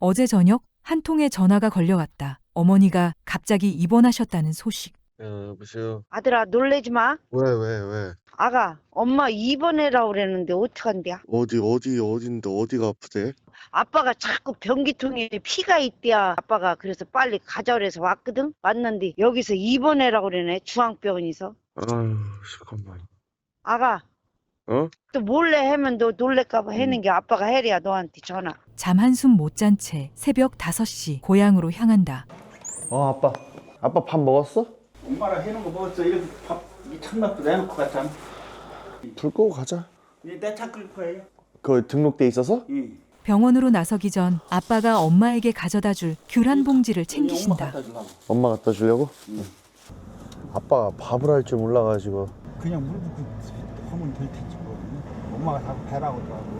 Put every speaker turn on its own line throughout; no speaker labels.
어제 저녁 한 통의 전화가 걸려왔다. 어머니가 갑자기 입원하셨다는 소식.
여보세요.
아들아 놀래지 마.
왜?
아가 엄마 입원해라고 그랬는데 어떡한대야?
어딘데, 어디가 아프대?
아빠가 자꾸 변기통에 피가 있대야. 아빠가 그래서 빨리 가자 그래서 왔거든. 왔는데 여기서 입원해라고 그러네. 중앙병원에서.
아유, 잠깐만.
아가
어?
또 몰래 하면 너 놀랄까봐 하는 게 아빠가 해야 너한테 전화.
잠 한숨 못 잔 채 새벽 5시 고향으로 향한다.
아빠 밥 먹었어?
엄마랑 해놓은 거 먹었어. 이렇게 밥 참나쁘다 해놓고 갔잖아.
불 끄고 가자.
내차 끌 거예요.
그 등록돼 있어서?
응.
병원으로 나서기 전 아빠가 엄마에게 가져다 줄 귤 한 봉지를 챙기신다.
엄마 갖다 주려고? 응. 아빠가 밥을 할 줄 몰라가지고.
그냥 물 붓고 하면 될 텐지 모르겠네. 엄마가 자꾸 배라고 하더라고.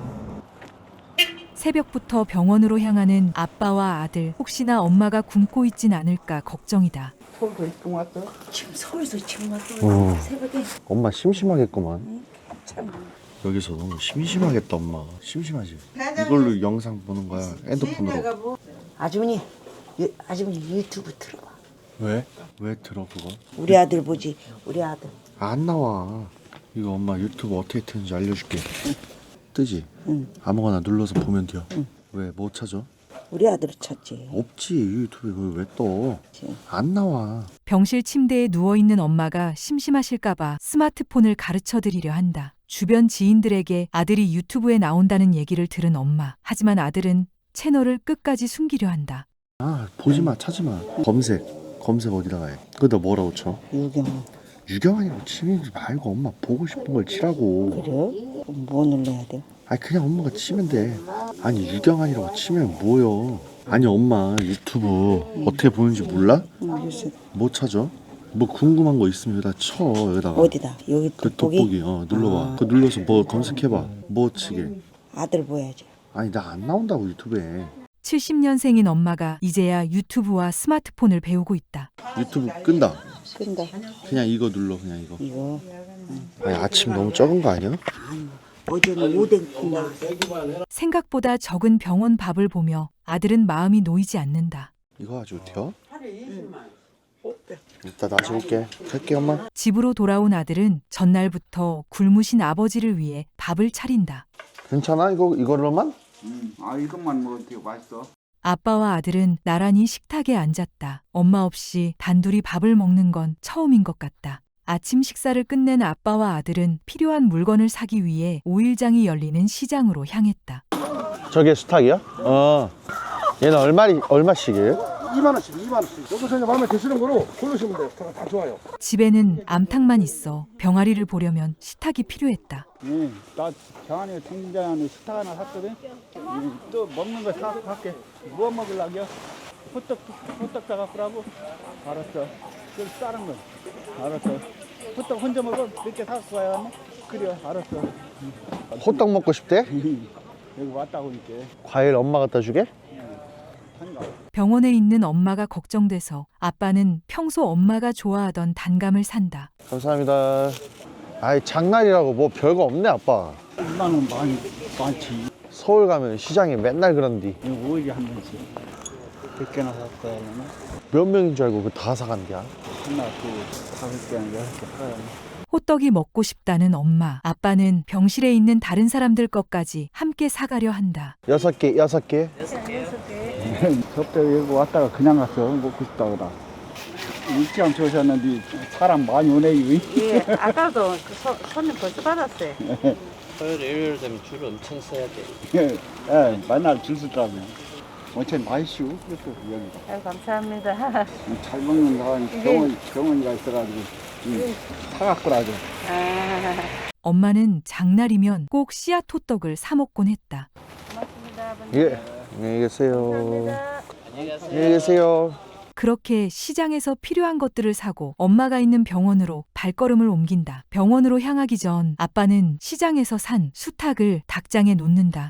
새벽부터 병원으로 향하는 아빠와 아들. 혹시나 엄마가 굶고 있진 않을까 걱정이다.
서울도 입금 왔어?
지금 서울에서 지금 왔어. 새벽에.
엄마 심심하겠구만. 여기서 너무 심심하겠다 엄마. 심심하지? 이걸로 영상 보는 거야 핸드폰으로.
아주머니 유튜브 틀어봐.
왜? 왜 들어 그거?
우리 아들 보지. 우리 아들.
안 나와. 이거 엄마 유튜브 어떻게 트는지 알려줄게. 뜨지?
응.
아무거나 눌러서 보면 돼요. 왜? 뭐 찾아?
우리 아들 찾지.
없지 유튜브에 그걸 왜 떠? 안 나와.
병실 침대에 누워있는 엄마가 심심하실까봐 스마트폰을 가르쳐 드리려 한다. 주변 지인들에게 아들이 유튜브에 나온다는 얘기를 들은 엄마. 하지만 아들은 채널을 끝까지 숨기려 한다.
아 보지마 찾지마. 검색 어디다가 해. 그다 뭐라고 쳐? 유경환이라고 치지 말고 엄마 보고 싶은 걸 치라고.
그래? 뭐 눌러야 돼?
아니 그냥 엄마가 치면 돼. 아니 유경환이라고 치면 뭐여. 아니 엄마 유튜브 어떻게 보는지 몰라?
글쎄.
뭐 찾아? 뭐 궁금한 거 있으면 여기다 쳐. 여기다가
어디다? 여기
그
돋보기?
돋보기 눌러봐. 그 눌러서 뭐 검색해봐. 뭐 치게.
아들 보여야지.
아니 나 안 나온다고 유튜브에.
70년생인 엄마가 이제야 유튜브와 스마트폰을 배우고 있다.
유튜브 끈다.
끈다.
그냥 이거 눌러 그냥 이거.
이거
아니 아침 너무 적은 거 아니야?
어제는 오뎅국 나왔어.
생각보다 적은 병원 밥을 보며 아들은 마음이 놓이지 않는다.
이거 아주 돼요? 이따 다시 올게. 갈게 엄마.
집으로 돌아온 아들은 전날부터 굶으신 아버지를 위해 밥을 차린다.
괜찮아 이거로만?
아 이것만 먹어도 되게 맛있어.
아빠와 아들은 나란히 식탁에 앉았다. 엄마 없이 단둘이 밥을 먹는 건 처음인 것 같다. 아침 식사를 끝낸 아빠와 아들은 필요한 물건을 사기 위해 5일장이 열리는 시장으로 향했다.
저게 수탉이야? 얘는 얼마씩이에요?
2만 원씩. 여기서 이제 마음에 드시는 거로 고르시면 돼요. 다 좋아요.
집에는 암탉만 있어 병아리를 보려면 식탁이 필요했다.
응. 나 경환이 통장에 식탁 하나 샀거든. 또 먹는 거 사갖고 갈게. 뭐 먹으려고요? 호떡 사갖고라고. 알았어. 그 다른 거. 알았어. 호떡 혼자 먹어? 몇 개 사갖고 가야겠네. 그래 알았어.
호떡 먹고 싶대?
여기 왔다 보니까
과일 엄마 갖다 주게?
한가.
병원에 있는 엄마가 걱정돼서 아빠는 평소 엄마가 좋아하던 단감을 산다.
감사합니다. 아이 장날이라고 뭐 별거 없네 아빠.
2만 원 많지.
서울 가면 시장에 맨날 그런디.
이거 오일이 한 번씩. 100개나 사갖고 가야겠네.
몇 명인 줄 알고 그 다 사간디야.
하나, 둘, 5개나 6개 사가야겠네.
호떡이 먹고 싶다는 엄마. 아빠는 병실에 있는 다른 사람들 것까지 함께 사가려 한다.
6개.
저때 여기 왔다가 그냥 갔어. 먹고 싶다 그러다. 일찌감 좋으셨는데 사람 많이 오네요.
예, 아까도 손님 벌써 받았어요.
토요일, 일요일 되면 줄 엄청 서야 돼.
예, 맨날 줄 서더라고요. 엄청 맛있어. 그래서 여기가.
아유, 감사합니다.
잘 먹는 사람이 병원이가 있어가지고 사갖고라도.
엄마는 장날이면 꼭 씨앗 호떡을 사 먹곤 했다.
고맙습니다, 아버님.
예. 안녕히 계세요.
감사합니다.
안녕히 계세요.
그렇게 시장에서 필요한 것들을 사고 엄마가 있는 병원으로 발걸음을 옮긴다. 병원으로 향하기 전 아빠는 시장에서 산 수탉을 닭장에 놓는다.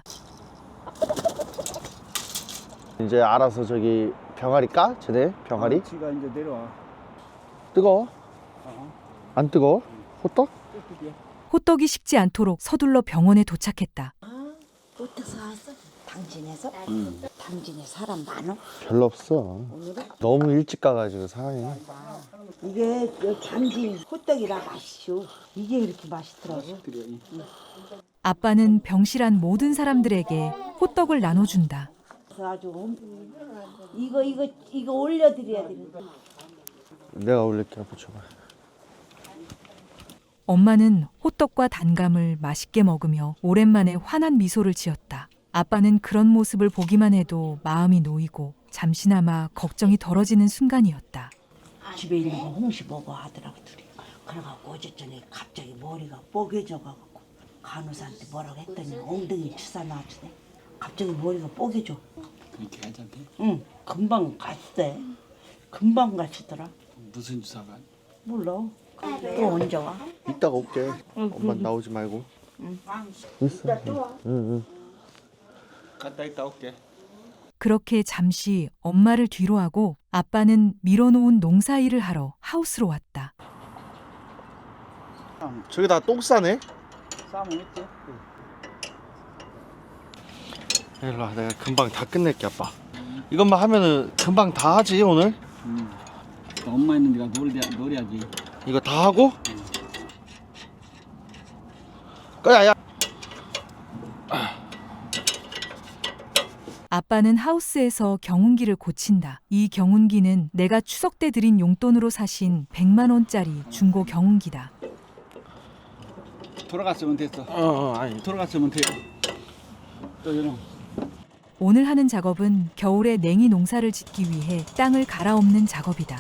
이제 알아서 저기 병아리 까? 쟤네 병아리?
지가 이제 내려와.
뜨거워? 안 뜨거워? 호떡?
호떡이 식지 않도록 서둘러 병원에 도착했다.
어디서 왔어?
당진에서? 당진에 사람 많어?
별로 없어. 너무 일찍 가가지고 사람이.
이게 당진 호떡이라 맛있죠. 이게 이렇게 맛있더라고.
아빠는 병실한 모든 사람들에게 호떡을 나눠준다.
그래서 아주 이거 올려드려야 되는데.
내가 올릴게. 붙여봐.
엄마는 호떡과 단감을 맛있게 먹으며 오랜만에 환한 미소를 지었다. 아빠는 그런 모습을 보기만 해도 마음이 놓이고 잠시나마 걱정이 덜어지는 순간이었다.
집에 있는 거 홍시 먹어 하더라고 둘이. 그래갖고 어제 저녁에 갑자기 머리가 뽀개져가지고 간호사한테 뭐라고 했더니 엉덩이 주사 놔주네. 갑자기 머리가 뽀개져.
그렇게 괜찮대?
응, 금방 갔대. 금방 가시더라.
무슨 주사가?
몰라. 또 언제 와?
이따가 올게. 엄마 나오지 말고. 있어. 응.
갔다 있다 올게.
그렇게 잠시 엄마를 뒤로 하고 아빠는 밀어놓은 농사일을 하러 하우스로 왔다.
저기다 똥 싸네.
싸면 있지?
일로 와. 내가 금방 다 끝낼게 아빠. 이것만 하면은 금방 다 하지 오늘.
엄마 있는 데가 노래야지.
이거 다 하고. 꺼야 야.
아빠는 하우스에서 경운기를 고친다. 이 경운기는 내가 추석 때 드린 용돈으로 사신 100만 원짜리 중고 경운기다.
돌아갔으면 됐어.
아니.
돌아갔으면 돼. 또 이런.
오늘 하는 작업은 겨울에 냉이 농사를 짓기 위해 땅을 갈아엎는 작업이다.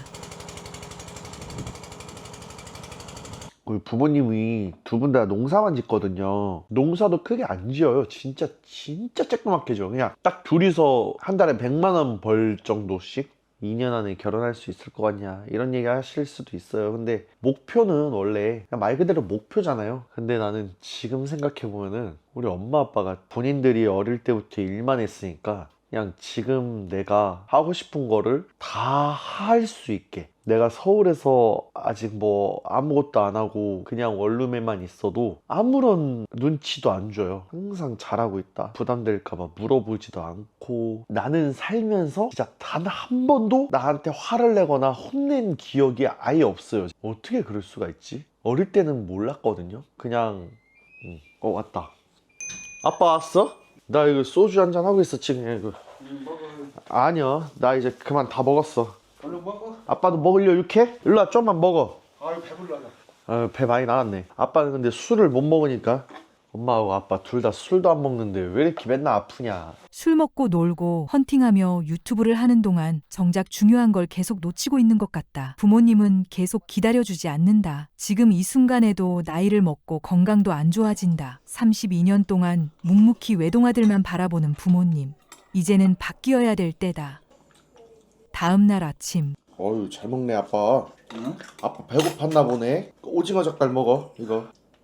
우리 부모님이 두 분 다 농사만 짓거든요. 농사도 크게 안 지어요. 진짜 쬐끄맣게 져. 그냥 딱 둘이서 한 달에 100만 원 벌 정도씩 2년 안에 결혼할 수 있을 것 같냐 이런 얘기 하실 수도 있어요. 근데 목표는 원래 그냥 말 그대로 목표잖아요. 근데 나는 지금 생각해보면은 우리 엄마 아빠가 본인들이 어릴 때부터 일만 했으니까 그냥 지금 내가 하고 싶은 거를 다 할 수 있게, 내가 서울에서 아직 뭐 아무것도 안 하고 그냥 원룸에만 있어도 아무런 눈치도 안 줘요. 항상 잘하고 있다, 부담될까봐 물어보지도 않고. 나는 살면서 진짜 단 한 번도 나한테 화를 내거나 혼낸 기억이 아예 없어요. 어떻게 그럴 수가 있지? 어릴 때는 몰랐거든요. 그냥 왔다. 아빠 왔어? 나 이거 소주 한잔 하고 있어 지금. 이거. 아니야, 나 이제 그만 다 먹었어.
얼른 먹어.
아빠도 먹으려 이렇게? 일로 와, 좀만 먹어.
아유 배불러라.
배 많이 나왔네. 아빠는 근데 술을 못 먹으니까. 엄마하고 아빠 둘 다 술도 안 먹는데 왜 이렇게 맨날 아프냐.
술 먹고 놀고 헌팅하며 유튜브를 하는 동안 정작 중요한 걸 계속 놓치고 있는 것 같다. 부모님은 계속 기다려주지 않는다. 지금 이 순간에도 나이를 먹고 건강도 안 좋아진다. 32년 동안 묵묵히 외동아들만 바라보는 부모님. 이제는 바뀌어야 될 때다. 다음 날 아침.
어휴, 잘 먹네 아빠. 응? 아빠 배고팠나 보네. 오징어 젓갈 먹어 이거.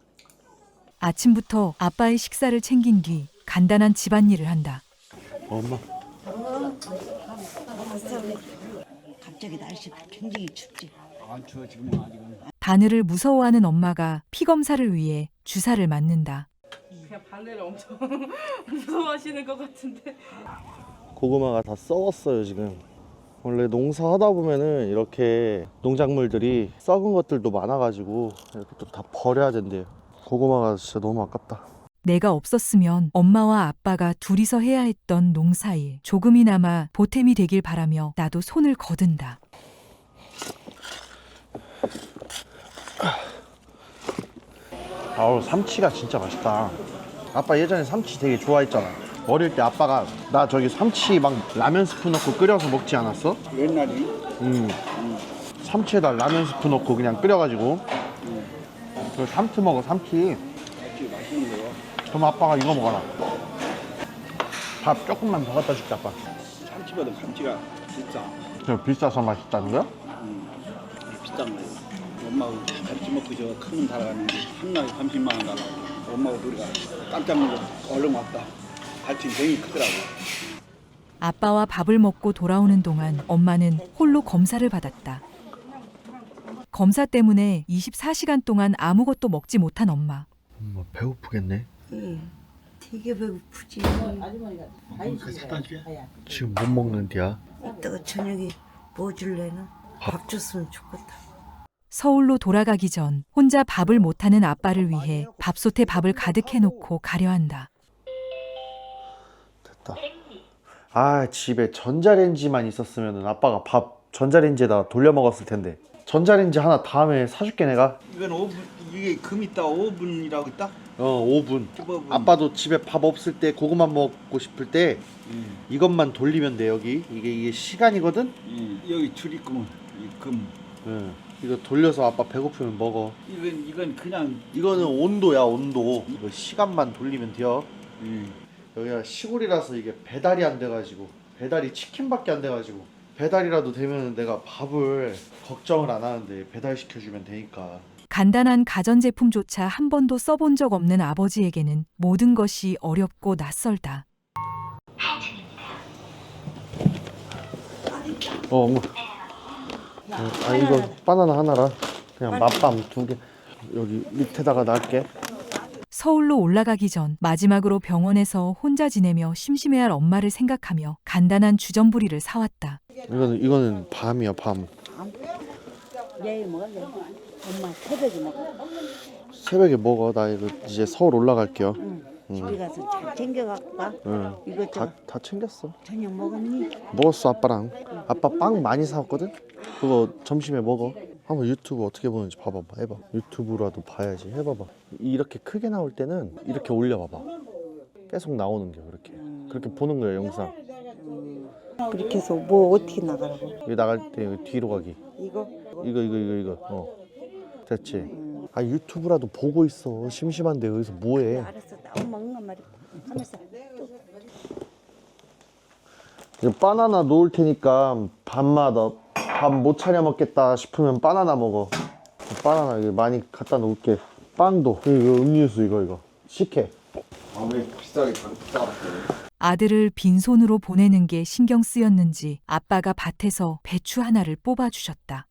아침부터 아빠의 식사를 챙긴 뒤 간단한 집안일을 한다.
엄마.
갑자기 날씨가 굉장히 춥지.
안 추워 지금은 아직은.
바늘을 무서워하는 엄마가 피 검사를 위해 주사를 맞는다.
그냥 바늘을 엄청 무서워하시는 것 같은데.
고구마가 다 썩었어요 지금. 원래 농사하다 보면은 이렇게 농작물들이 썩은 것들도 많아가지고 이렇게 또 다 버려야 된대요. 고구마가 진짜 너무 아깝다.
내가 없었으면 엄마와 아빠가 둘이서 해야 했던 농사일 조금이나마 보탬이 되길 바라며 나도 손을 거둔다.
아우, 삼치가 진짜 맛있다. 아빠 예전에 삼치 되게 좋아했잖아. 어릴 때 아빠가 나 저기 삼치 막 라면 스프 넣고 끓여서 먹지 않았어?
옛날에
삼치에다 라면 스프 넣고 그냥 끓여가지고. 그 삼치 먹어, 삼치.
맛있는 거요.
그럼 아빠가 이거 먹어라. 밥 조금만 더 갖다 줄게 아빠.
참치보다 감치가 비싸.
저 비싸서 맛있다는 거야?
비싼 거예요. 엄마하고 같이 먹고 저 큰놈 달아가는데 한날 30만 원 달라고. 엄마하고 우리가 깜짝 놀라서 얼른 왔다. 발등이 되게 크더라고.
아빠와 밥을 먹고 돌아오는 동안 엄마는 홀로 검사를 받았다. 검사 때문에 24시간 동안 아무것도 먹지 못한 엄마.
엄마 배고프겠네.
되게 배고프지.
지금 못 먹는디야?
이따가 저녁에 뭐 줄래나? 밥 줬으면 좋겠다.
서울로 돌아가기 전 혼자 밥을 못하는 아빠를 위해 밥솥에 밥을 가득 해놓고 가려 한다.
됐다. 아, 집에 전자레인지만 있었으면 아빠가 밥 전자레인지에다 돌려 먹었을 텐데. 전자레인지 하나 다음에 사줄게 내가.
이건 5분, 이게 금 있다 5분이라고 있다?
5분.
15분.
아빠도 집에 밥 없을 때 고구마 먹고 싶을 때 이것만 돌리면 돼. 여기 이게 시간이거든.
여기 줄 있구먼. 이 금.
이거 돌려서 아빠 배고프면 먹어.
이건 그냥
이거는 온도야, 온도. 이거 시간만 돌리면 돼요.
음.
여기가 시골이라서 이게 배달이 안 돼가지고, 배달이 치킨밖에 안 돼가지고, 배달이라도 되면 내가 밥을 걱정을 안 하는데 배달 시켜주면 되니까.
간단한 가전제품조차 한 번도 써본 적 없는 아버지에게는 모든 것이 어렵고 낯설다.
엄마. 이거 바나나 하나라. 그냥 맛밤 2개. 여기 밑에다가 놔할게.
서울로 올라가기 전 마지막으로 병원에서 혼자 지내며 심심해할 엄마를 생각하며 간단한 주전부리를 사왔다.
이거는 밤이야, 밤.
내일 먹을래? 엄마 새벽에 먹어.
새벽에 먹어. 나 이거 이제 서울 올라갈게요.
집에 가서 잘 챙겨갖고 가.
응.
이거
다 챙겼어.
저녁 먹었니?
먹었어, 아빠랑. 아빠 빵 많이 사왔거든? 그거 점심에 먹어. 한번 유튜브 어떻게 보는지 봐봐봐. 해봐. 유튜브라도 봐야지. 해봐봐. 이렇게 크게 나올 때는 이렇게 올려봐봐. 계속 나오는 게 그렇게 보는 거야, 영상.
그렇게 해서 뭐 어떻게 나가라고?
여기 나갈 때 여기 뒤로 가기.
이거?
이거. 됐지? 아, 유튜브라도 보고 있어. 심심한데 여기서 뭐해?
알았어. 나 엄마 응한 말이 하면서
이거 바나나 놓을 테니까 밤마다 밥 못 차려 먹겠다 싶으면 바나나 먹어. 바나나 이거 많이 갖다 놓을게. 빵도 이거 음료수 이거 식혜.
왜 비싸게 비싸게
아들을 빈손으로 보내는 게 신경 쓰였는지 아빠가 밭에서 배추 하나를 뽑아주셨다.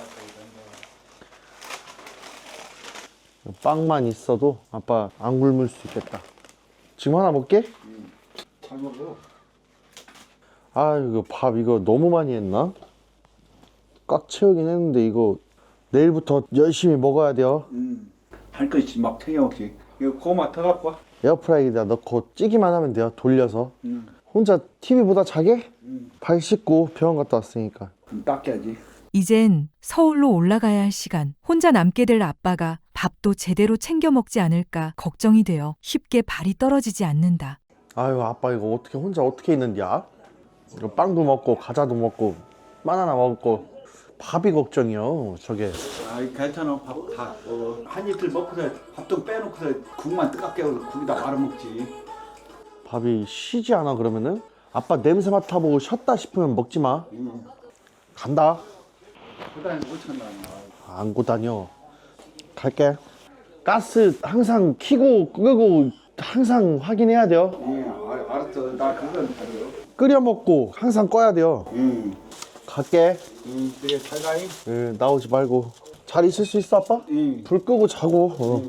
빵만 있어도 아빠 안 굶을 수 있겠다. 지금 하나 먹게?
잘 먹어.
아, 이거 밥 이거 너무 많이 했나? 꽉 채우긴 했는데 이거 내일부터 열심히 먹어야 돼요.
할 것이 막 챙겨먹지. 이거 고구마 더 갖고 와.
에어프라이기에다 넣고 찌기만 하면 돼요. 돌려서. 혼자 TV 보다 자게? 발 씻고 병원 갔다 왔으니까.
좀 닦여야지.
이젠 서울로 올라가야 할 시간. 혼자 남게 될 아빠가 밥도 제대로 챙겨 먹지 않을까 걱정이 되어 쉽게 발이 떨어지지 않는다.
아유, 아빠 이거 혼자 어떻게 있는지야? 이거 빵도 먹고 과자도 먹고 바나나 먹고 밥이 걱정이요. 저게.
아이 괜찮아. 밥 다 먹어. 한 이틀 먹고서 밥도 빼놓고서 국만 뜨겁게 해서 국에다 말아 먹지.
밥이 쉬지 않아 그러면은? 아빠 냄새 맡아보고 쉬었다 싶으면 먹지 마. 간다.
그다음에 못 찬다.
안고 다녀. 갈게. 가스 항상 켜고 끄고 항상 확인해야 돼요.
알았어. 나 그건 알아요.
끓여 먹고 항상 꺼야 돼요. 갈게.
그래 잘 가잉.
나오지 말고. 잘 있을 수 있어, 아빠? 불 끄고 자고.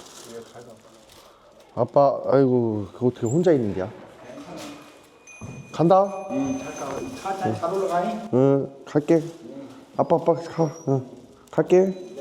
아빠, 아이고, 그거 어떻게 혼자 있는 게야? 간다.
잘 가. 잘 올라가잉.
갈게. 아빠, 가. 갈게.